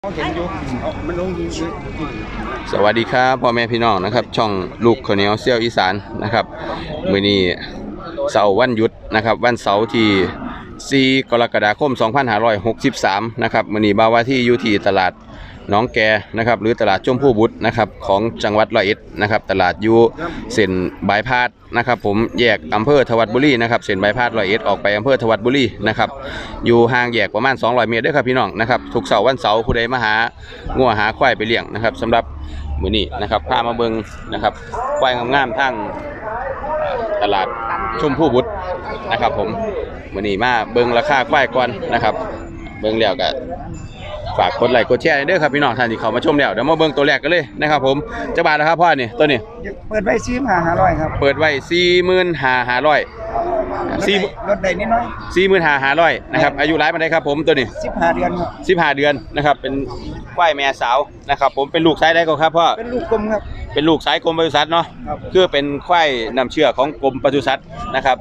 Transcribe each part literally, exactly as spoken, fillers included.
สวัสดีครับพ่อแม่พี่น้องนะครับช่องลูกข้าวเหนียวเซี่ยวอีสานนะครับมื้อนี้เสาร์วันหยุดนะครับวันเสาร์ที่สี่กรกฎาคมสองพันห้าร้อยหกสิบสามนะครับมื้อนี้บ่าวว่าที่อยู่ที่ตลาดหนองแกนะครับหรือตลาดชมพู่บุตรนะครับของจังหวัดร้อยเอ็ดนะครับตลาดอยู่เส้นบายพาสนะครับผมแยกอำเภอทวัดบุรีนะครับเส้นบายพาสร้อยเอ็ดออกไปอำเภอทวัดบุรีนะครับอยู่ห่างแยกประมาณสองร้อยเมตรเด้อครับพี่น้องนะครับทุกเสาร์วันเสาร์ผู้ใดมาหางัวหาควายไปเลี้ยงนะครับสำหรับมื้อนี้นะครับพามาเบิ่งนะครับควายงามๆทั้งตลาดชมพู่บุตรนะครับผมมื้อนี้มาเบิ่งราคาควายก่อนนะครับเบิ่งแล้วก็ฝากกดไลค์กดแชร์เด้อครับพี่น้องท่านที่เข้ามาชมแล้วเดี๋ยวมาเบิ่งตัวแรกกันเลยนะครับผมจะบาทแล้วครับพ่อนี่ตัวนี้เปิดไว้สี่หมื่นห้าร้อยครับเปิดไว้สี่หมื่นห้าห้าร้อยสี่ลดได้นิดน้อยสี่หมื่นห้าห้าร้อยนะครับอายุร้ายมาได้ครับผมตัวนี้สิบห้าเดือนครับสิบห้าเดือนนะครับเป็นควายแม่สาวนะครับผมเป็นลูกสายได้ก็ครับพ่อเป็นลูกกลมครับเป็นลูกสายกรมปศุสัตว์เนาะคือเป็นควายนำเชื่อของกรมปศุสัตว์นะครับ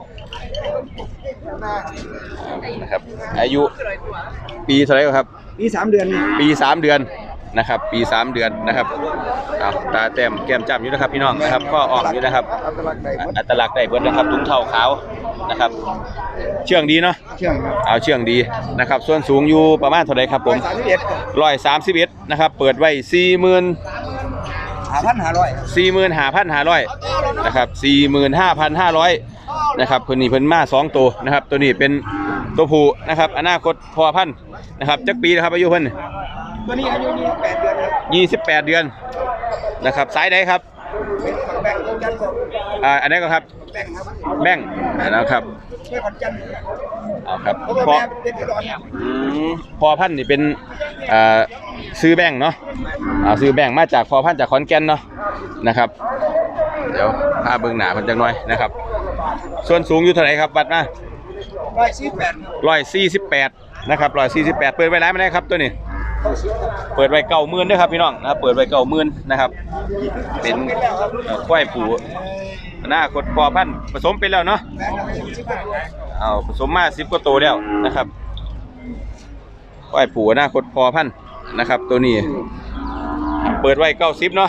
นะครับอายุปีเท่าไหร่ครับปีสามเดือนปีสามเดือนนะครับปีสามเดือนนะครับเอาตาแต้มแก้มจ้ำอยู่นะครับพี่น้องนะครับก็ออกอยู่นะครับอัตลักษณ์ได้เบิดนะครับถุงเท้าขาวนะครับเชื่องดีเนาะเชื่องครับเอาเชื่องดีนะครับส่วนสูงอยู่ประมาณเท่าไหร่ครับผมร้อยสามสิบเอ็ดนะครับเปิดไว้สี่หมื่นห้าพันห้าร้อยสี่หมื่นห้าพันห้าร้อยนะครับสี่หมื่นห้าพันห้าร้อยนะครับเพิ่นนี่เพิ่นมาสองตัวนะครับตัวนี้เป็นตัวผู้นะครับอนาคตพอพันนะครับจักปีนะครับอายุเพิ่นตัวนี้อายุยี่สิบแปดเดือนครับยี่สิบแปดเดือนนะครับสายใดครับแบ่งกันอ่าอันนี้ก็ครับแบ่งครับแบ่งนะครับช่วยขอนจันเอาครับพอพอพันนี่เป็นอ่าซื้อแบ่งเนาะอ่าซื้อแบ่งมาจากพอพันจากขอนแก่นเนาะนะครับเดี๋ยวพาเบิ่งหน้าเพิ่นจักหน่อยนะครับส่วนสูงอยู่เท่าไหร่ครับวัดมาร้อยสี่สิบแปดร้อยสี่สิบแปดนะครับร้อยสี่สิบแปดเปิดไว้ร้านไม่ได้ครับตัวนี้เปิดไว้เก้าหมื่นด้วยครับพี่น้องนะครับเปิดไว้เก้าหมื่นนะครับเป็นควายผูหน้าคดพอพันผสมไปแล้วเนาะเอาผสมมาสิบกว่าตัวแล้วนะครับควายผูหน้าคดพอพันนะครับตัวนี้เปิดไว้เก้าสิบเนาะ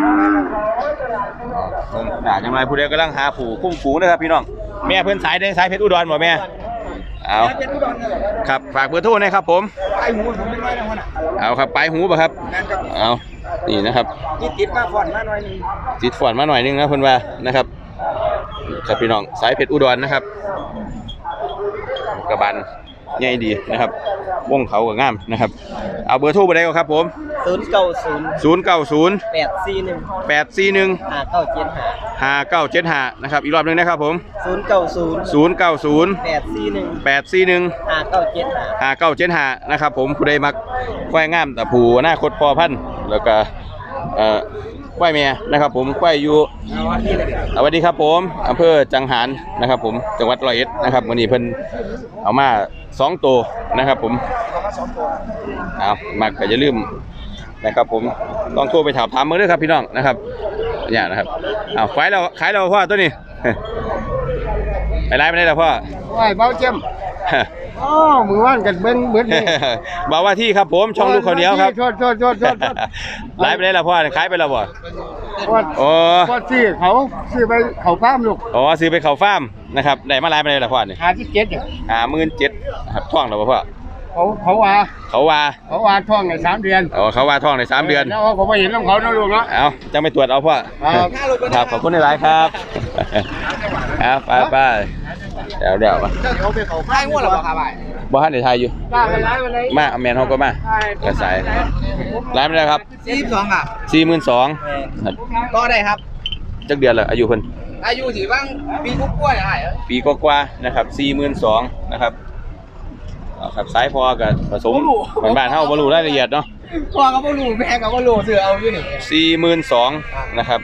หน้าจังไรผู้ใดกำลังหาผูคุ้มฝูนะครับพี่น้องแม่เพื่อนสายได้สายเพชรอุดรบ่แม่เอาครับฝากเบอร์โทรนะครับผมปลายหูผมไม่น้อยนะคนเอาครับปลายหูป่ะครับเอานี่นะครับติดมาฝอนมาหน่อยนึงติดฝอนมาหน่อยนึงนะเพื่อนว่านะครับครับพี่น้องสายเพชรอุดรนะครับกระบาลใหญ่ดีนะครับวงเขาก็งามนะครับเอาเบอร์โทรไปได้ก็ครับผมศูนย์เก้าศูนย์ศูนย์เก้าศูนย์แปดสี่หนึ่งแปดสี่หนึ่งห้าเก้าเจ็ดห้าห้าเก้าเจ็ดห้านะครับอีกรอบนึงนะครับผมศูนย์เก้าศูนย์ศูนย์เก้าศูนย์แปดสี่หนึ่งแปดสี่หนึ่งห้าเก้าเจ็ดห้าห้าเก้าเจ็ดห้านะครับผมผู้ใดมักควายงามแต่ผู้หน้าคดพอพันแล้วก็เอ่อควายเมียนะครับผมควายอยู่สวัสดีครับผมอำเภอจังหารนะครับผมจังหวัดร้อยเอ็ดนะครับวันนี้เพิ่นเอามาสองตัวนะครับผมเอามักก็อย่าลืมนะครับผมต้องโทรไปถามถามมือด้วยครับพี่น้องนะครับเนี่ยนะครับเอาขายเราขายเราพ่อตัวนี้ไปไล่ไปได้แล้วพ่อไหวเบาเจ็มอ๋อมือว่านกันเบิ้งเบิ้งนี่บ่าวว่าที่ครับผมช่องลูกข้าวเหนียวครับโทษโทษโทษโทษไล่ไปได้แล้วพ่อขายไปแล้วบ่โอ้ก็ซื้อเขาซื้อไปเขาฟาร์มลูกอ๋อซื้อไปเขาฟาร์มนะครับได้มาไล่ไปได้แล้วพ่อนี่หาที่เจ็ดเนี่ยหาหมื่นเจ็ดครับท่องแล้วพ่อเขาเขาว่าเขาว่าเขาว่าท่องในสามเดือนอ๋อเขาว่าท่องในสามเดือนแล้วผมไม่เห็นน้องเขาน้องลูกเนาะเอาจะไม่ตรวจเอาพ่อครับขอบคุณในไลน์ครับครับไปไปเดี๋ยวเดี๋ยวมาเขาไปเขาฟาร์มว่าหรอครับบ้านในไทยอยู่มาแมนเขาก็มากระสายร้านไม่ได้ครับสี่สิบสองอ่ะสี่หมื่นสองก็ได้ครับจักเดือนเลยอายุเพิ่นอายุถือบ้างปีกุ๊กกล้วยอะไรปีกว่าๆนะครับสี่หมื่นสองนะครับครับสายพอกับผสมบ้านบ้านเท่าบอลูรายละเอียดเนาะพอกับบอลูแม่กับบอลูเสือเอาอยู่นี่สี่หมื่นสองนะครับ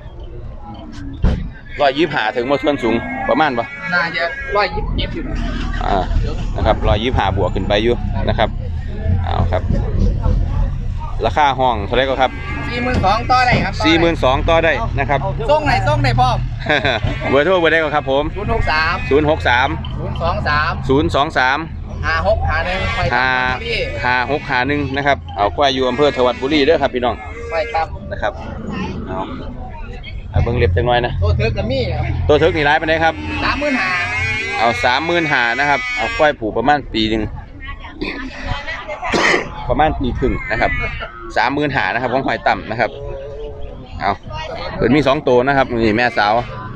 ร้อยยี่สิบห้าถึงมาส่วนสูงประมาณปะน่าจะร้อยยี่สิบเจ็ดอยู่อ่านะครับร้อยยี่สิบห้าบวกขึ้นไปอยู่นะครับเอาครับราคาห้องเท่าไรก็ครับสี่หมื่นสองต่อได้ครับสี่หมื่นสองต่อได้นะครับส่งไหนส่งไหนพ่อเบอร์โทรเบอร์ได้ก็ครับผมศูนย์หกสามศูนย์หกสามศูนย์สองสามศูนย์สองสามแหาหกหาหนึ่งไปห้าห้าหกห้าหนึ่งนะครับเอาควายอยู่อำเภอธวัดบุรีเด้อครับพี่น้องไปครับนะครับเอาเอาเบิ่งเล็บจังหน่อยนะตัวเถือกกับมี่ครับตัวเถิกนี่ร้ายไปไหนครับสามหมื่นหาเอาสามหมื่นหานะครับเอาควายผูกประมาณปีหนึ่ง ประมาณปีครึ่งนะครับสามหมื่นหานะครับของหอยต่ำนะครับเอาเปิดมีสองตัวนะครับนี่แม่สาว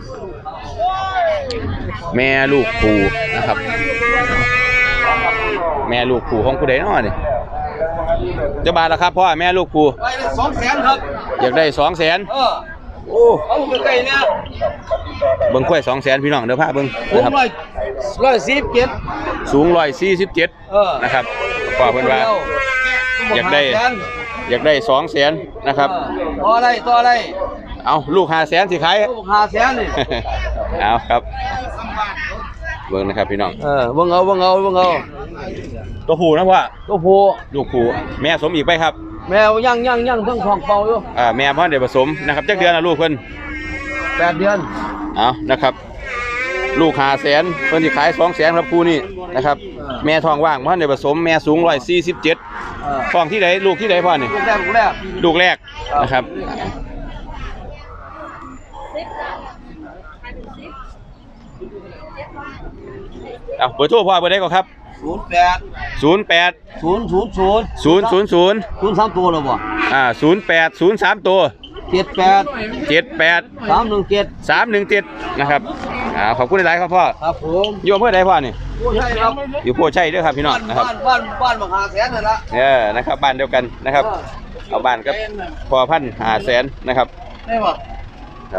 แม่ลูกผูนะครับ แม่ลูกผูของผู้ใดน้อนี่จะบาทละครับพ่อแม่ลูกผูไปสองแสนครับอยากได้สองแสนเออโอ้เอาใกล้ๆเนี่ยเบิ้งควายสองแสนพี่น้องเดี๋ยวพาเบิ้งผมนะครับร้อยร้อยสิบเจ็ดสูงร้อยสี่สิบเจ็ดเออนะครับพ่อเพิ่นว่า อยากได้ อยากได้สองแสนนะครับต่ออะไรต่ออะไรเอาลูกห้าแสนสิขายลูกหาแสนนี่เอาครับเบิ้งนะครับพี่น้องเออเบิ่งเอาเบิ่งเอาเบิ่งเอาตัวผูนะพ่อตัวผู้ลูกผูแม่สมอีกไปครับแมวย่างย่างย่างทั้งทองเป่าอยู่อ่าแม่พ่อเดี๋ยวผสมนะครับจักเดือนละลูกเพิ่นแปดเดือนเอานะครับ ลูกหาแสนเพิ่นสิขายสองแสนครับคู่นี้นะครับ แม่ทองว่างพ่อเดี๋ยวผสมแม่สูงร้อยสี่สิบเจ็ดเออทองที่ไหนลูกที่ไหนพ่อนี่ลูกแรกลูกแรกลูกแรกนะครับเอาเบอร์โทรพ่อเบอร์ใดก่อนครับศูนย์แปดศูนย์แปดศูนย์ศูนย์ศูนย์ศูนย์ศูนย์ศูนย์ศูนย์สามตัวเลยบ่อ่าศูนย์แปดศูนย์สามตัวเจ็ดแปดเจ็ดแปดสามหนึ่งเจ็ดสามหนึ่งเจ็ดนะครับอ่าขอบคุณหลายๆครับพ่อครับผมอยู่อำเภอใดพ่อนี่ผู้ใช่ครับอยู่โพชัยเด้วยครับพี่น้องบ้านนะครับบ้านบ้านบ้านบักหาแสนนั่นละเออนะครับบ้านเดียวกันนะครับเอาบ้านกับพอพันหาแสนนะครับได้บ่ครับ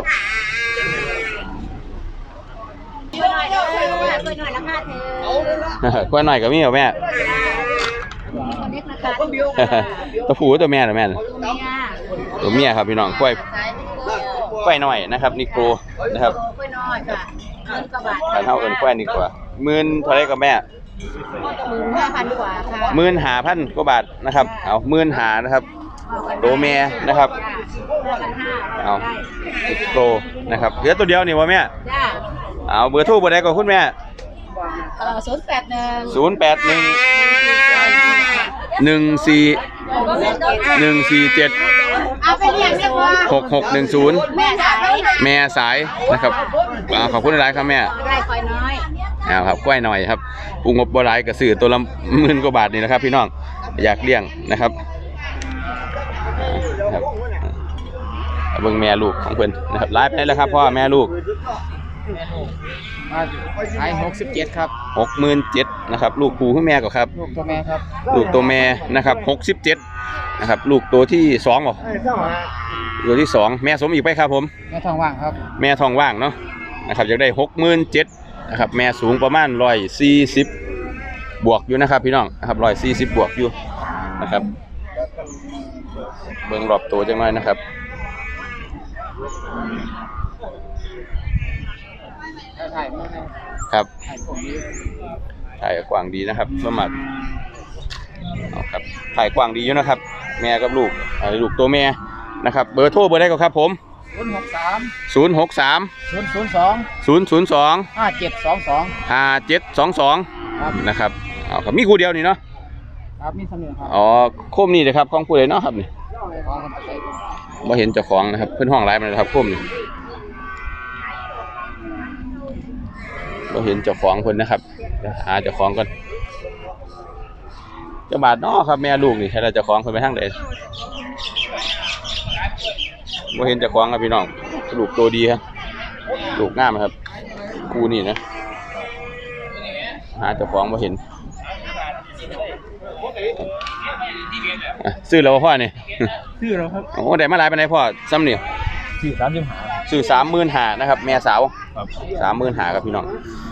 เพื่อนหน่อยเด้อเพื่อนหน่อยเพื่อนหน่อยราคาเธอเอาเลยละกล้วยหน่อยกับมี่เหรอแม่คนเล็กราคาคนเดียวตัวผู้ตัวแม่เหรอแม่น่ะตัวเมียตัวเมียครับพี่น้องกล้วยกล้วยหน่อยนะครับนิโกรนะครับเพื่อนน้อยค่ะเงินกว่าบาทการเท่ากันกล้วยนี่กว่าหมื่นเท่าไรกับแม่หมื่นห้าพันกว่าค่ะหมื่นหาพันกว่าบาทนะครับเอาหมื่นหานะครับตัวแม่นะครับห้าพันห้าเอานิโกรนะครับเหลือตัวเดียวนี่วะแม่จ้าเอาเบอร์โทรเบอร์ใดก่อนคุณแม่เออศูนย์แปดหนึ่งศูนย์แปดหนึ่งหนึ่งสี่หนึ่งสี่เจ็ดเอาไปเลี้ยงเรียกว่าหกหกหนึ่งศูนย์แม่สายแม่สายนะครับอ่าขอบคุณหลายครับแม่ได้คอยน้อยเอาครับกล้วยหน่อยครับปูงบบัวลายกระสือตัวละหมื่นกว่าบาทนี่นะครับ พี่น้องอยากเลี้ยงนะครับอ่าครับอ่าเบิ่งแม่ลูกของเพิ่นนะครับไลฟ์ไปแล้วครับพ่อแม่ลูกขายหกสิบเจ็ดครับหกหมื่นเจ็ดนะครับลูกปูขึ้นแม่ก่อนครับลูกตัวแม่ครับลูกตัวแม่นะครับหกสิบเจ็ดนะครับลูกตัวที่สองเหรอตัวที่สองแม่สมอีกไปครับผมแม่ทองว่างครับแม่ทองว่างเนาะนะครับอยากได้หกหมื่นเจ็ดนะครับแม่สูงประมาณร้อยสี่สิบบวกอยู่นะครับพี่น้องนะครับร้อยสี่สิบบวกอยู่นะครับเบิ่งรอบตัวจังหน่อยนะครับครับถ่ายกว้างดีนะครับสมัครเอาครับถ่ายกว้างดีอยู่นะครับ แม่กับลูกอ่าลูกตัวแม่นะครับเบอร์โทรเบอร์ได้ก็ครับผมศูนย์หกสามศูนย์หกสามศูนย์ศูนย์สองศูนย์ศูนย์สองห้าเจ็ดสองสองห้าเจ็ดสองสองครับนะครับเอาครับมีคู่เดียวนี่เนาะครับมีสำเนียงครับอ๋อโคมนี่เลยครับของผู้ใดเนาะครับนี่ของคนไทยบ่เห็นเจ้าของนะครับเพิ่นห้องไลฟ์มาเลยครับโคมนี่บ่เห็นเจ้าของเพิ่นนะครับเดี๋ยวหาเจ้าของก่อนเจ้าบาทเนาะครับแม่ลูกนี่ใช่แล้วเจ้าของเพิ่นไปทางใดบ่เห็นเจ้าของครับพี่น้องลูกตัวดีครับลูกงามครับคู่นี่นะหาเจ้าของบ่เห็นอ่ะซื้อแล้วบ่พ่อนี่ชื่อเราครับโอ้ได้มาหลายปานใดพ่อซ้ำนี่ชื่อสามสิบหาซื้อสามหมื่นห้านะครับแม่สาวครับสามหมื่นห้าครับพี่น้อง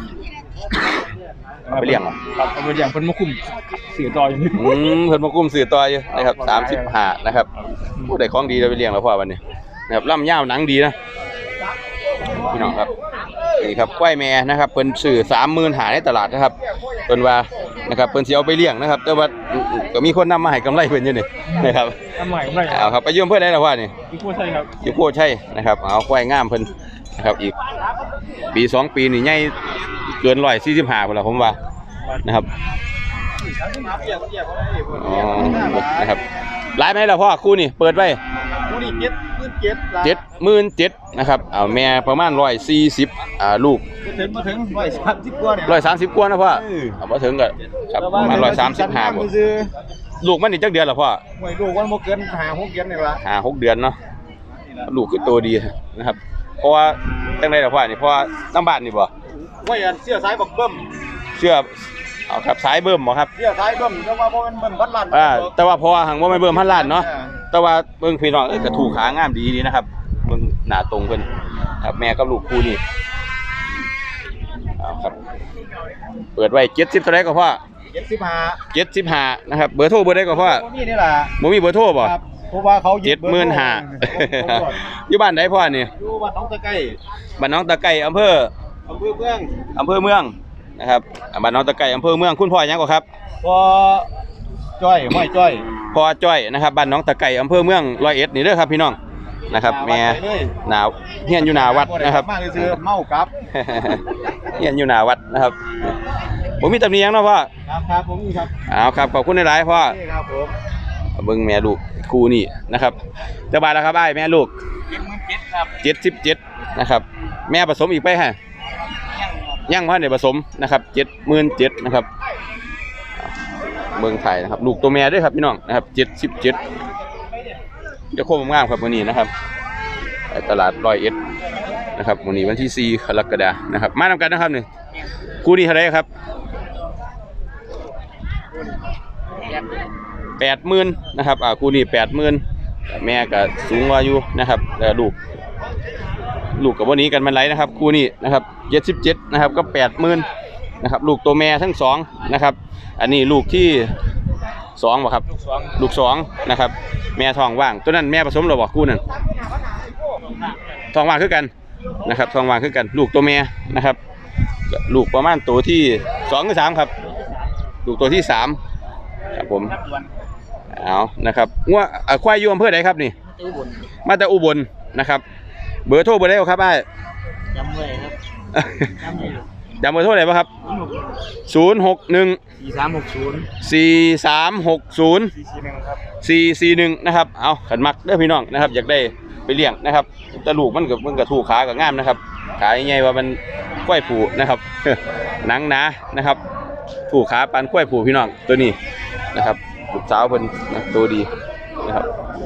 เอาไปเลี้ยงเหรอครับเอาไปเลี้ยงเพิ่นมาคุมสื่อต่ออยู่นี่อืมเพิ่นมากุ้มสื่อต่ออยู่นะครับสามสิบห้านะครับผู้ใดของดีเราไปเลี้ยงแล้วพ่อวันนี้นะครับล่ำยาวหนังดีนะพี่น้องครับนี่ครับควายแม่นะครับเพิ่นซื้อสามหมื่นห้าในตลาดนะครับเพิ่นว่านะครับเพิ่นสิเอาไปเลี้ยงนะครับแต่ว่าก็มีคนนำมาให้กำไรเพิ่นอยู่นี่นะครับทำใหม่ไม่เอาครับไปยืมเพื่อนได้แล้วว่านี่พี่พูดใช่ครับอยู่โพใช่นะครับเอาควายงามเพิ่นนะครับอีกปีสองปีนี่ใหญ่เกินร้อยสี่สิบห้าพุ่นละผมว่านะครับอ๋อนะครับหลายไหมล่ะพ่อคู่นี่เปิดไว้ผู้นี่เจ็ดมื่นเจ็ดเจ็ดหมื่นเจ็ดนะครับเอาแม่ประมาณร้อยสี่สิบอ่าลูกมาถึงมาถึงร้อยสามสิบกว่าเนี่ยร้อยสามสิบกว่านะพ่อเอามาถึงก็ครับประมาณร้อยสามสิบห้าบ่ลูกมันนี่จักเดือนละพ่อหวยลูกวันโมเกินหาหกเดือนนี่ละห้าหกเดือนเนาะลูกคือตัวดีนะครับเพราะว่าตั้งแต่ละพ่อนี่เพราะว่าน้ำบ้านนี่บ่ว่าอันเสื้อสายบักเบิ้มเชื่อเอาครับสายเบิ่มบ่ครับเสื้อสายเบิ้มแต่ว่าเพราะมันเบิ้มพัดลันอ่าแต่ว่าเพราะว่าหังว่าไม่เบิ่มพันล้านเนาะแต่ว่าเบิ่งพี่น้องเอ้ยก็ถูกขางามดีดีนะครับเบิ่งหน้าตรงเพิ่นครับแม่กับลูกคู่นี่เอาครับเปิดไว้เจ็ดสิบเท่าไหร่ก็พ่อเจ็ดสิบห้าเจ็ดสิบห้านะครับเบอร์โทรเบอร์ใดก็พ่อนี่นี่แหละบ่มีเบอร์โทรบ่ครับเพราะว่าเขาเจ็ดหมื่นห้าอยู่บ้านใดพ่อนี่อยู่บ้านน้องตะไคร้บ้านน้องตะไก่อำเภออำเภอเมืองอำเภอเมืองนะครับอ่าบ้านน้องตะไก่อำเภอเมืองคุณพ่อหยังก็ครับพอจ้อยไม่จ้อยพ่อจ้อยนะครับบ้านน้องตะไก่อำเภอเมืองร้อยเอ็ดนี่เด้อครับพี่น้องนะครับแม่หนาวเฮียนอยู่หน้าวัดนะครับมาซื้อเมากับเฮียนอยู่หน้าวัดนะครับผมมีตำหนิหยังเนาะพ่อครับครับผมครับเอาครับขอบคุณหลายๆพ่อนี่ครับผมเบิ่งแม่ลูกคู่นี่นะครับจะบาทแล้วครับอ้ายแม่ลูกเจ็ดหมื่นเจ็ดครับเจ็ดสิบเจ็ดนะครับแม่ผสมอีกไปฮะยังพ่อเนี่ยผสมนะครับเจ็ดหมื่นเจ็ดนะครับเบิ่งไทยนะครับลูกตัวแม่ด้วยครับพี่น้องนะครับเจ็ดสิบเจ็ดจะโค้งงามครับวันนี้นะครับไปตลาดร้อยเอ็ดนะครับวันนี้วันที่สี่กรกฎาคมนะครับมานำกันนะครับนี่คู่นี้เท่าไหรครับแปดหมื่นนะครับอ่าคู่นี้แปดหมื่นแม่ก็สูงกว่าอยู่นะครับแล้วลูกลูกกับวันนี้กันมันไรนะครับคู่นี้นะครับเจ็ดสิบเจ็ดนะครับก็แปดหมื่นนะครับลูกตัวแม่ทั้งสองนะครับอันนี้ลูกที่สองบ่ครับลูกสองนะครับแม่ทองว่างตัวนั้นแม่ผสมหรือบ่คู่นั้นทองว่างคือกันนะครับทองว่างคือกันลูกตัวแม่นะครับลูกประมาณตัวที่สองหรือสามครับลูกตัวที่สามครับผมเอานะครับงัวควายอยู่อำเภอไหนครับนี่มาแต่อุบลนะครับเบอร์โทรเบอร์ใดครับไอ้จำไว้ครับจำเบอร์โทรไหนบ้างครับศูนย์หกหนึ่งสี่สามหกศูนย์สี่สามหกศูนย์สี่สี่หนึ่งนะครับเอาขันมักเด้อพี่น้องนะครับอยากได้ไปเลี้ยงนะครับตะลูกมันกับมันกับถูกขากับง่ามนะครับขาใหญ่ว่ามันควายผูนะครับหนังหนานะครับถูกขาปันควายผูพี่น้องตัวนี้นะครับลูกสาวเพิ่นนะตัวดีนะครับ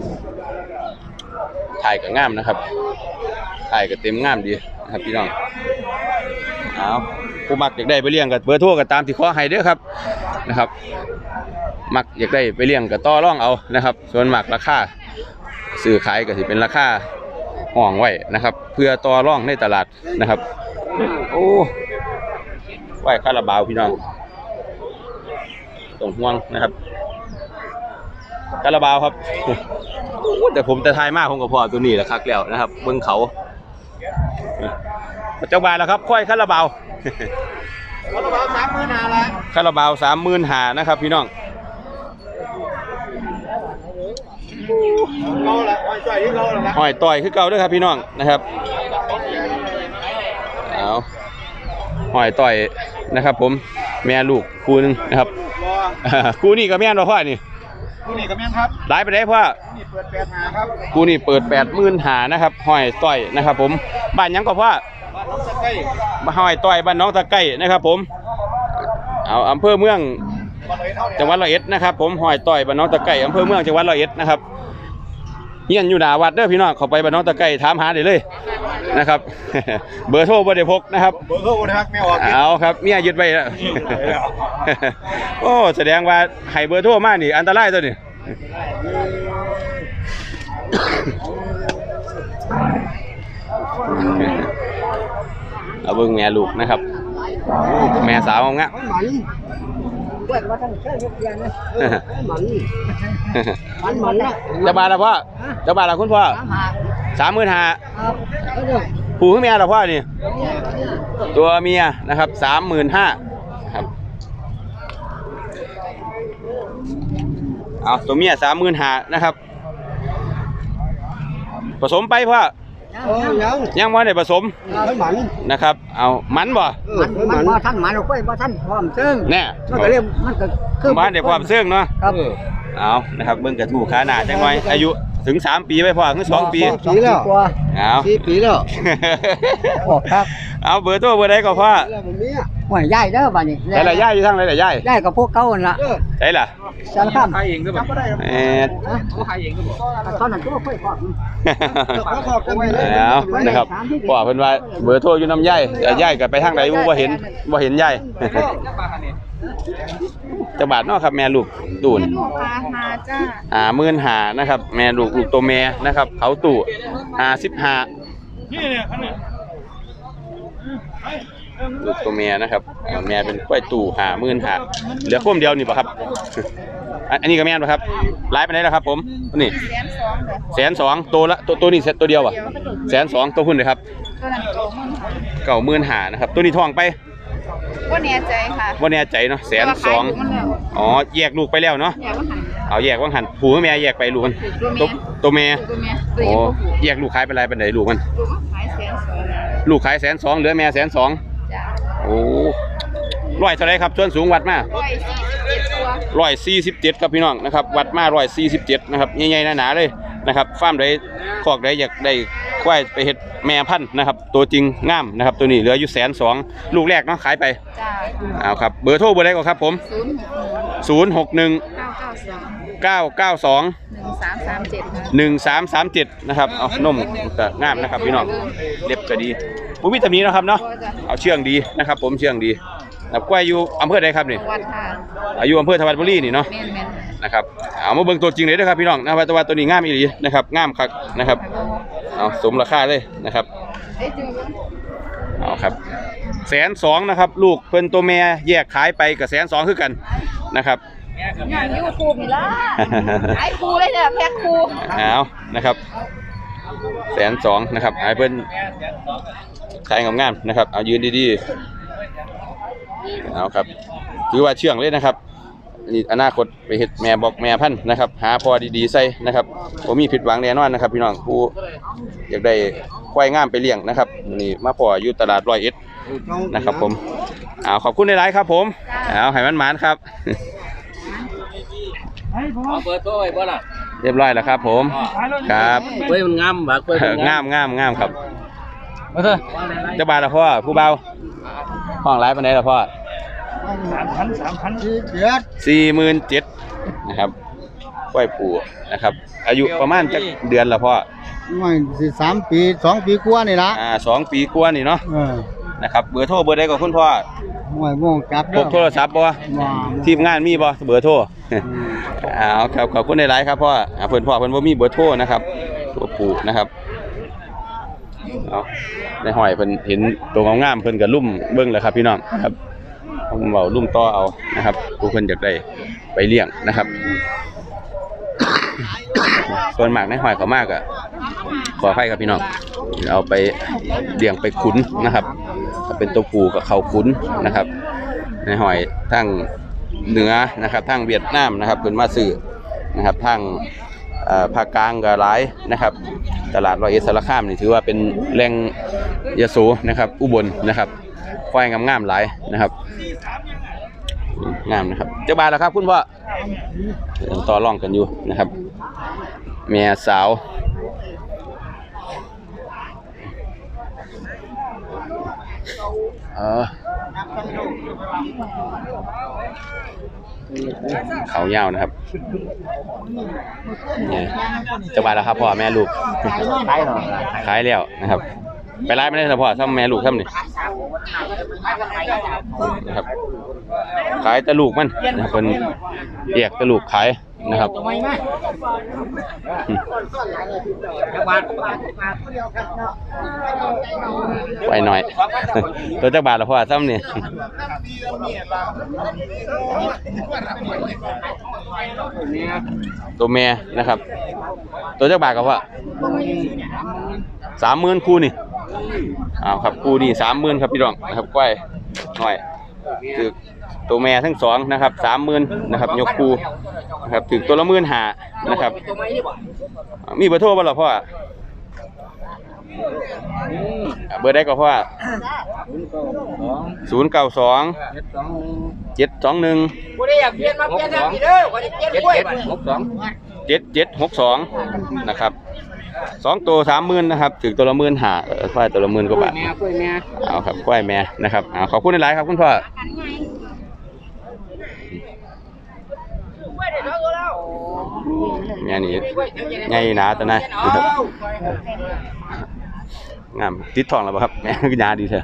ถ่ายกับง่ามนะครับถ่ายกับเต็มง่ามดีนะครับพี่น้องเอาผู้มักอยากได้ไปเลี้ยงกับเบอร์โทรกับตามที่ขอให้เด้อครับนะครับมักอยากได้ไปเลี้ยงกับต่อร่องเอานะครับส่วนมากราคาซื้อขายก็สิเป็นราคาห้องไว้นะครับเพื่อต่อร่องในตลาดนะครับโอ้ไหวคาราบาวพี่น้องต้องห่วงนะครับคาราบาวครับแต่ผมจะทายมากผมกับพ่อตัวนี้แหละคักแล้วนะครับเบื้องเขาเจ้าบานแล้วครับค่อยคาราบาวคาราบาวสามหมื่นห้าละคาราบาวสามหมื่นหานะครับพี่น้องเก่าละอ้อยจ้อยที่เก่าละนะห้อยต่อยคือเก่าด้วยครับพี่น้องนะครับเอาห้อยต่อยนะครับผมแม่ลูกคู่หนึงนะครับรอคู่นี้กับแม่นบ่พ่อนี่ผู้นี่กับแม่นครับหลายไปได้พ่อนี่เปิดแปดหาครับคู่นี้เปิดแปดหมื่นหานะครับห้อยต่อยนะครับผมบ้านหยังก็พ่อบ้านน้องตะไคร้มาห้อยต่อยบ้านน้องตะไก่นะครับผมเอาอำเภอเมืองบ้านเลยเท่าเนี่ยจังหวัดร้อยเอ็ดนะครับผมห้อยต่อยบ้านน้องตะไก่อำเภอเมืองจังหวัดร้อยเอ็ดนะครับเฮียนอยู่หน้าวัดเด้อพี่น้องเข้าไปบ้านน้องตะไก่ถามหาได้เลยนะครับ เบอร์โทรบ่ได้พกนะครับเบอร์โทรนะครับแม่ออกเอาครับเมียยึดไว้แล้ว โอ้แสดงว่าให้เบอร์โทรมานี่อันตรายตัวนี้ เอาเบิ่งแม่ลูกนะครับแม่สาวงะเปิดมาทั้งเช้าเย็นนะมันมันมันนะจะบาทละพ่อจะบาทละคุณพ่อสามหาสามหมื่นห้าครับก็เดี๋ยวผู้ขึ้นเมียละพ่อนี่ตัวเมียนะครับสามหมื่นห้าครับเอาตัวเมียสามหมื่นห้านะครับผสมไปพ่อยเออยังยังบ่ได้ผสมมันหมันนะครับ เอามันบ่มันมันบ่ทันหมันเอาไว้บ่ทันพร้อมซึ่งแน่มันก็เรียกมันก็คือบ้านได้ความเสื่องเนาะครับเอานะครับเบิ่งกระทู้ขาหน้าจังหน่อยอายุถึงสามปีไว้พอถึงสองปีปีแล้วกว่าเอาสี่ปีแล้วโอ้ครับเอาเบอร์โทรเบอร์ใดก็พ่อแล้วมันมีอ่ะห่วยยายเด้อบัดนี้ใช่ละย่ายอยู่ทางไหนละย่ายยายกับพวกเก่านั่นล่ะใช่ล่ะสารคามขายเองก็แบบเอ็ดเขาขายเองก็บอกตอนนั้นก็บ่ค่อยพอเอานะครับพ่อเพิ่นว่าเบอร์โทรอยู่น้ำย่ายแต่ย่ายก็ไปทางไหนบ่เห็นบ่เห็นย่าย จักบาทเนาะครับแม่ลูกตูนลูกค้ามาจ้าห้าหมื่นห้านะครับแม่ลูกลูกตัวแม่นะครับเขาตู่ห้าสิบห้าลูกตัวแม่นะครับอ่าแม่เป็นกล้วยตู่ห้าหมื่นห้าเหลือโค้มเดียวนี่ป่ะครับอันอันนี้ก็แม่นป่ะครับไลฟ์ไปไหนแล้วครับผมนี่แสนสองเลยแสนสองตัวละตัวตัวนี้เซ็ตตัวเดียวอ่ะแสนสองตัวพุ่นเลยครับตัวนั้นโตมันเก่าหมื่นห้านะครับตัวนี้ทองไปก็แน่ใจค่ะว่าแน่ใจเนาะแสนสองแต่ว่าขายลูกมันแล้วอ๋อแยกลูกไปแล้วเนาะแยกว่าหันเอาแยกว่างหันผูกับแม่แยกไปลูกมันตัตัววเมียตัวแม่ตัวเมียตัวโอ้เมียแยกลูกขายไปไรเป็นไหนลูกมันลูกมันขายแสนสองลูกขายแสนสองเหลือแม่แสนสองจ้าโอ้ร้อยเท่าไรครับส่วนสูงวัดมาร้อยสี่สิบเจ็ดตัวร้อยสี่สิบเจ็ดครับพี่น้องนะครับวัดมาร้อยสี่สิบเจ็ดนะครับใหญ่ๆหนาๆเลยนะครับฟาร์มใดคอกใดอยากได้ควายไปเฮ็ดแม่พันธุ์นะครับตัวจริงงามนะครับตัวนี้เหลืออยู่แสนสองลูกแรกเนาะขายไปจ้าเอาครับเบอร์โทรเบอร์ใดก่อนครับผมศูนย์หกหนึ่งศูนย์หกหนึ่งเก้าเก้าสองเก้าเก้าสองหนึ่งสามสามเจ็ดค่ะหนึ่งสามสามเจ็ดนะครับเอานมก็งามนะครับพี่น้องเล็บก็ดีผู้วิตามินนะครับเนาะเอาเชื่องดีนะครับผมเชื่องดีนะครับกล้วยอยู่อำเภอใดครับนี่วัดค่ะอายุอำเภอธวัดบุรีนี่เนาะแม่นแม่นนะครับเอามาเบิ่งตัวจริงเลยนะครับพี่น้องนะครับตัวตัวนี้งามอีหลีนะครับงามคักนะครับเอาสมราคาเลยนะครับเอ้ยเจอกันเอาครับแสนสองนะครับลูกเพิ่นตัวแม่แยกขายไปกับแสนสองคือกันนะครับงานยูทูบนี่ล่ะขายครูเลยเนี่ยแพ็คครูเอานะครับแสนสองนะครับไอ้เพิ่นขายงามๆนะครับเอายืนดีๆเอาครับถือว่าเชื่องเลยนะครับนี่อนาคตไปเฮ็ดแม่บอกแม่พันธุ์นะครับหาพอดีๆใส่นะครับผมมีผิดหวังแน่นอนนะครับพี่น้องผู้อยากได้ควายงามไปเลี้ยงนะครับนี่มาพออยู่ตลาดร้อยเอ็ดนะครับผมเอาขอบคุณในไลน์ครับผมเอาให้มันหมานครับเอาเบอร์โทรไว้บ่ล่ะเรียบร้อยแล้วครับผมครับเว้ยมันงามบักเว้ยงามงามงามครับเอาเถอะเจ้าบ่าวละพ่อผู้เบาห้องไลฟ์ปานใดละพ่อสามพันสามพันสี่เดือนสี่หมื่นเจ็ดนะครับควายผูนะครับ อายุประมาณจักเดือนละพ่อไม่สิสามปีสองปีกว่านี่ละอ่าสองปีกว่านี่เนาะเออนะครับเบอร์โทรเบอร์ใดก็คุณพ่อห่วยม่วงจับพกโทรศัพท์บ่ว่าทีมงานมีบ่เบอร์โทรอ้าวครับขอบคุณในไลฟ์ครับพ่ออ่าเพิ่นพ่อเพิ่นบ่มีเบอร์โทรนะครับตัวผูนะครับเอาในห้อยเพิ่นเห็นตัวงามๆเพิ่นก็ลุ่มเบิ่งแล้วครับพี่น้องครับผมเว้าลุ่มต่อเอานะครับผู้เพิ่นอยากได้ไปเลี้ยงนะครับ ส่วนมากในห้อยเขามากอ่ะขอให้ครับพี่น้องเอาไปเลี้ยงไปขุนนะครับถ้าเป็นตัวผูกับเขาขุนนะครับ ในห้อยทั้งเหนือนะครับทั้งเวียดนามนะครับเป็นมาซื้อนะครับทั้งเอ่อภาคกลางก็หลายนะครับ ตลาดร้อยเอ็ดสารคามนี่ถือว่าเป็นแหล่งยโสนะครับอุบลนะครับควายงามๆหลายนะครับงามนะครับเจ้าบ่าวแล้วครับคุณพ่อต่อรองกันอยู่นะครับเมียสาวเออเขายาวนะครับนี่เจ้าบ่าวแล้วครับพ่อแม่ลูกขายแล้วนะครับไปไล่ไม่ได้แต่พ่อซ้ำแม่ลูกซ้ำนี่นะครับขายแต่ลูกมันนะครับเป็นแยกแต่ลูกขายนะครับไปหน่อยตัวจักบาทละพ่อซ้ำนี่ตัวแม่นะครับตัวจักบาทกับว่าสามหมื่นคู่นี่อ้าวครับคู่นี่สามหมื่นครับพี่น้องนะครับก้อยหน่อยคือตัวแม่ทั้งสองนะครับสามหมื่นนะครับยกคู่นะครับถึงตัวละหมื่นหานะครับมีเบอร์โทรบ่ล่ะพ่อเบอร์ได้ก็เพราะว่าศูนย์เก้าสองเจ็ดสองหนึ่งกูได้อยากเปลี่ยนมาเปลี่ยนทางนี้เด้อกูจะเปลี่ยนกล้วยบัดหกสองเจ็ดเจ็ดหกสองนะครับสองตัวสามหมื่นนะครับถึงตัวละหมื่นหาควายตัวละหมื่นกว่าบาทแม่กล้วยแม่เอาครับควายแม่นะครับเอาขอบคุณหลายๆครับคุณพ่อแม่นี่ใหญ่หนาตัวนะงามติดทองแล้วป่ะครับแม่ก็ยาดีเถอะ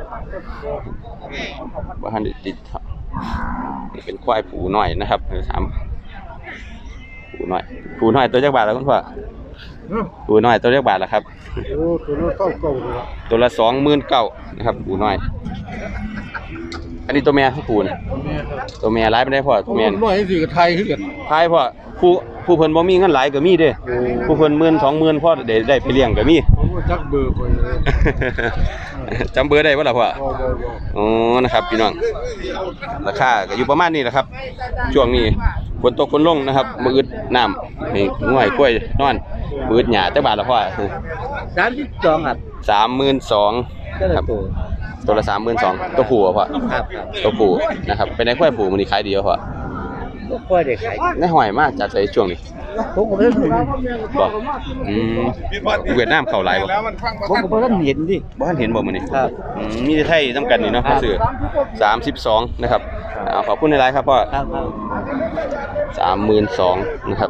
ว่าท่านติดทองนี่เป็นควายผูหน่อยนะครับสามผูหน่อยผูหน่อยตัวจักบาทแล้วคุณพ่อผูหน่อยตัวจักบาทแล้วครับโอ้ตัวนู้นเข้าเก่าเลยตัวละสองหมื่นเก้านะครับผูน้อยอันนี้ตัวแม่เขาผูนะตัวแม่ร้ายไม่ได้พ่อตัวแม่น้อยสิกับไทยคือกันท้ายพ่อผู้ผู้เพิ่นบ่มีเงินหลายก็มีเด้ผู้เพิ่นหมื่นสองหมื่นพ่อได้ได้ไปเลี้ยงก็มีผมว่าจักเบอร์คนเลยจำเบอร์ได้บ่ล่ะพ่อบ่บ่บ่อ๋อนะครับพี่น้องราคาก็อยู่ประมาณนี้แหละครับช่วงนี้ฝนตกฝนลงนะครับมืออึดน้ำนี่ง่วยกล้วยนอนมืออึดหญ้าจักบาทละพ่อสามสิบสองครับสามหมื่นสองครับตัวละสามหมื่นสองตัวผู้อะพ่อครับตัวผู้นะครับเป็นไอ้กล้วยผู้มันนี่ขายดีอะพ่อกล้วยเด็กขายในหอยมากจากใส่ช่วงนี้ผมก็เพิ่งบอกอืมเวียดนามเข้าหลายบ่ผมก็เพิ่งเห็นดิบ่ทันเห็นบ่มื้อนี้ครับอืมมีแต่ไทยนำกันนี่เนาะเขาซื้อสามสิบสองนะครับเอาขอบคุณหลายๆครับพ่อครับสามหมื่นสองนะครับ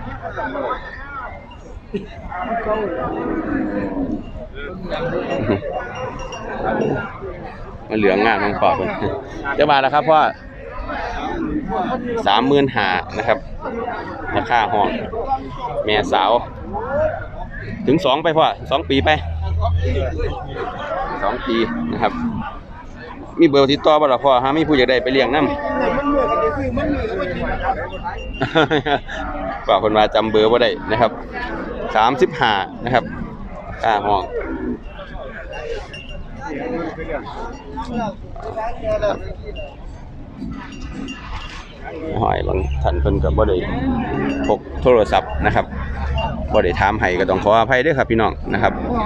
มันเหลืองงามทั้งปอดเลยจะมาแล้วครับพ่อสามหมื่นหานะครับราคาห้องแม่สาวถึงสองไปพ่อสองปีไปสองปีนะครับมีเบอร์ติดต่อบ่ล่ะพ่อฮะมีผู้อยากได้ไปเลี้ยงน้ำ ฝากคนมาจำเบอร์บ่ได้นะครับสามสิบห้านะครับค่าห้องหอยบางท่านเพิ่นก็บ่ได้พกโทรศัพท์นะครับบ่ได้ถามให้ก็ต้องขออภัยด้วยครับพี่น้องนะครับ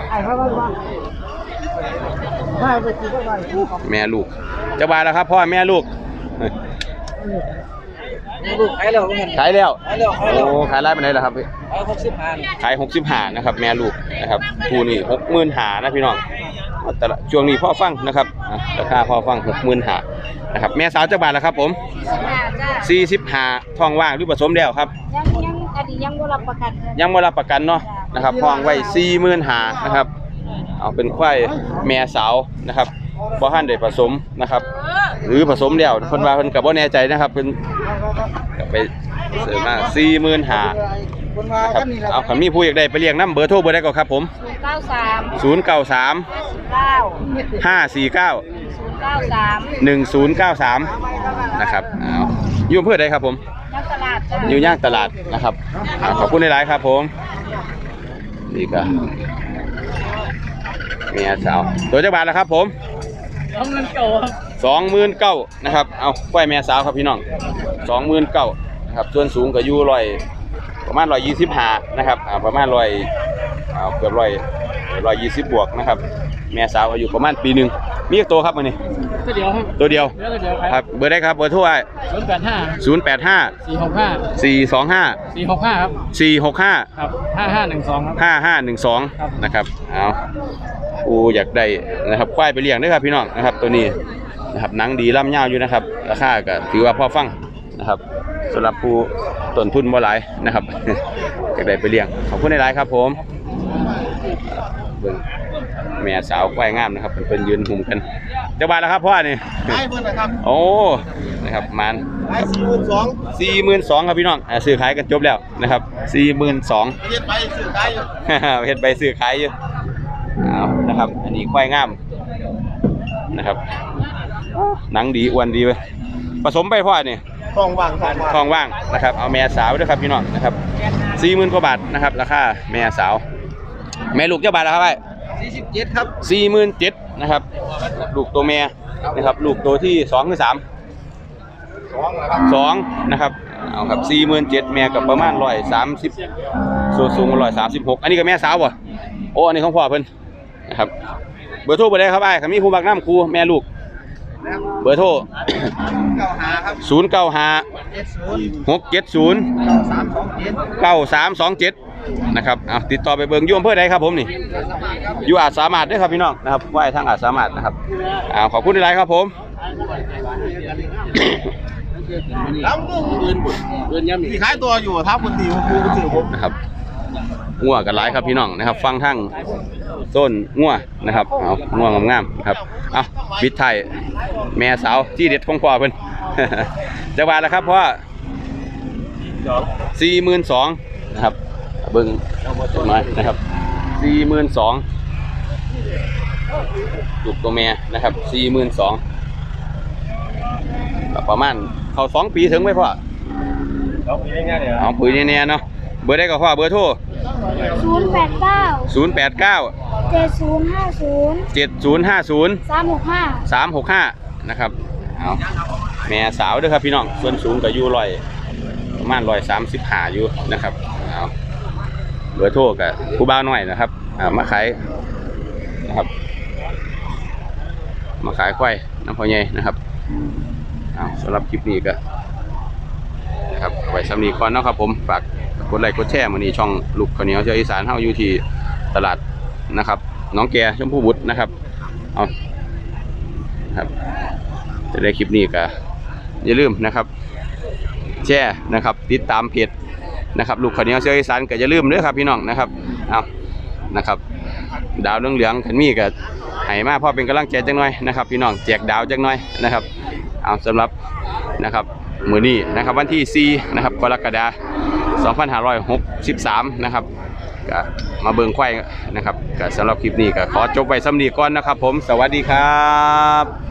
แม่ลูกจะบาทแล้วครับพ่อแม่ลูกลูกขายแล้วเงินขายแล้วขายแล้วขายแล้วโอ้ขายไล่ไปไหนล่ะครับพี่ขายหกสิบห้าขายหกสิบห้านะครับแม่ลูกนะครับคู่นี่หกหมื่นหานะพี่น้องแต่ละช่วงนี้พ่อฟังนะครับอ่ะราคาพ่อฟังหกหมื่นหานะครับแม่สาวจะบาทแล้วครับผมจ้าสี่สิบห้าท้องว่างหรือผสมแล้วครับยังยังอันนี้ยังบ่รับประกันยังไม่รับประกันเนาะนะครับท้องไว้สี่หมื่นหานะครับเอาเป็นควายแม่สาวนะครับบ่ทันได้ผสมนะครับ หรือผสมแล้วเพิ่นว่าเพิ่นก็บ่แน่ใจนะครับเพิ่นก็ไปเสริมมาสี่หมื่นหานะครับเอาคันมีผู้อยากได้ไปเลี้ยงน้ำเบอร์โทรเบอร์ใดก็ครับผมเก้าสามศูนย์ เก้า สามเก้าห้า สี่ เก้าเก้าสามหนึ่ง ศูนย์ เก้า สามนะครับเอาอยู่อำเภอใดครับผมนักตลาดจ้าอยู่ย่างตลาดนะครับอ่าขอบคุณหลายๆครับผมนี่ก็เมียสาวตัวจักบาทแล้วครับผมทำเงินเก่าครับสองหมื่นเก้านะครับเอาควายแม่สาวครับพี่น้องสองหมื่นเก้านะครับส่วนสูงก็อยู่ร้อยประมาณร้อยยี่สิบห้านะครับอ่าประมาณร้อยเอาเกือบร้อยร้อยยี่สิบบวกนะครับแม่สาวอายุประมาณปีหนึ่งมีอีกตัวครับมันนี่ก็เดียวครับตัวเดียวเดี๋ยวก็เดียวคครัรับบ เบอร์ได้ครับเบอร์โทรศูนย์แปดห้าศูนย์แปดห้าสี่หกห้าสี่สองห้าสี่หกห้าครับสี่หกห้าครับห้าห้าหนึ่งสองครับห้าห้าหนึ่งสองครับนะครับเอาอูอยากได้นะครับควายไปเลี้ยงด้วยครับพี่น้องนะครับตัวนี้นะครับหนังดีล่ำยาวอยู่นะครับราคาก็ถือว่าพอฟังนะครับสำหรับผู้ต้นทุนบ่หลายนะครับ อยากได้ไปเลี้ยงขอบคุณหลายๆครับผมเบิ่งแม่สาวควายงามนะครับเป็นยืนหุ่มกันเจ้าบ้านแล้วครับพ่อนี่ได้เพิ่นนะครับโอ้นะครับมันได้สี่หมื่นสองสี่หมื่นสองครับพี่น้องอ่าซื้อขายกันจบแล้วนะครับสี่หมื่นสองเฮ็ดไปซื้อได้อยู่เฮ็ดใบซื้อขายอยู่เอานะครับ อันนี้ควายงามนะครับหนังดีอ้วนดีเว้ยผสมไปพ่อนี่ทองว่างทองว่างทองว่างนะครับเอาแม่สาวด้วยครับพี่น้องนะครับสี่หมื่นกว่าบาทนะครับราคาแม่สาวแม่ลูกเจ้าบาทแล้วครับไอ้สี่สิบเจ็ดครับสี่หมื่นเจ็ดนะครับลูกตัวแม่นะครับลูกตัวที่สองหรือสามสองนะครับสองนะครับเอาครับสี่หมื่นเจ็ดแม่กับประมาณร้อยสามสิบส่วนสูงร้อยสามสิบหกอันนี้ก็แม่สาวป่ะโอ้อันนี้ของพ่อเพิ่นนะครับเบอร์โทรเบอร์ใดครับไอ้ายมีผู้บักน้ำครูแม่ลูกเบอร์โทรศูนย์เก้าห้าหกเจ็ดศูนย์เก้าสามสองเจ็ดนะครับเอาติดต่อไปเบิ่งอยุ่อำเภอใดครับผมนี่อยู่อาจสามารถด้วยครับพี่น้องนะครับไหว้ทางอาจสามารถนะครับเอาขอบคุณหลายครับผมมีขายตัวอยู่ทับคนตีผมกูก็ถือผมนะครับงัวกันหลายครับพี่น้องนะครับฟังทั้งต้นงัวนะครับเอางัวงามๆนะครับเอาปิดไทายแม่สาวที่เด็ดของพ่อเพิ่น จะว่าแล้วครับเพราะสี่หมื่นสองนะครับเบิ้งหน่อยนะครับสี่หมื่นสองลูกตัวแม่นะครับสี่หมื่นสองประมาณเขาสองปีถึงไหมพ่อเอาปุ๋ยแน่ๆเนาะเบอร์ได้ก็พ่อเบอร์โทรศูนย์แปดเก้าศูนย์แปดเก้าเจ็ดศูนย์ห้าศูนย์เจ็ดศูนย์ห้าศูนย์สามหกห้าสามหกห้านะครับเอาแม่สาวด้วยครับพี่น้องส่วนสูงก็อยู่ร้อยประมาณร้อยสามสิบห้าอยู่นะครับเอาเบอร์โทรกับผู้บ่าวน้อยนะครับอ่ามาขายนะครับมาขายควายน้ำพอใหญ่นะครับเอาสำหรับคลิปนี้ก็นะครับไว้สำนีก่อนเนาะครับผมฝากกดไลค์กดแชร์มื้อนี้ช่องลูกข้าวเหนียวเจ้าอีสานเฮาอยู่ที่ตลาดนะครับน้องแกชมพูบุตรนะครับเอาครับจะได้คลิปนี้ก็อย่าลืมนะครับแชร์นะครับติดตามเพจนะครับลูกข้าวเหนียวเจ้าอีสานก็อย่าลืมเด้อครับพี่น้องนะครับเอานะครับดาวเหลืองๆขันมีก็ให้มาพ่อเป็นกำลังใจจังหน่อยนะครับพี่น้องแจกดาวจังหน่อยนะครับเอาสำหรับนะครับมื้อนี้นะครับวันที่สี่นะครับกรกฎาคมสองพันห้าร้อยหกสิบสามนะครับก็มาเบิ่งควายนะครับก็สำหรับคลิปนี้ก็ขอจบไว้สำนีก่อนนะครับผมสวัสดีครับ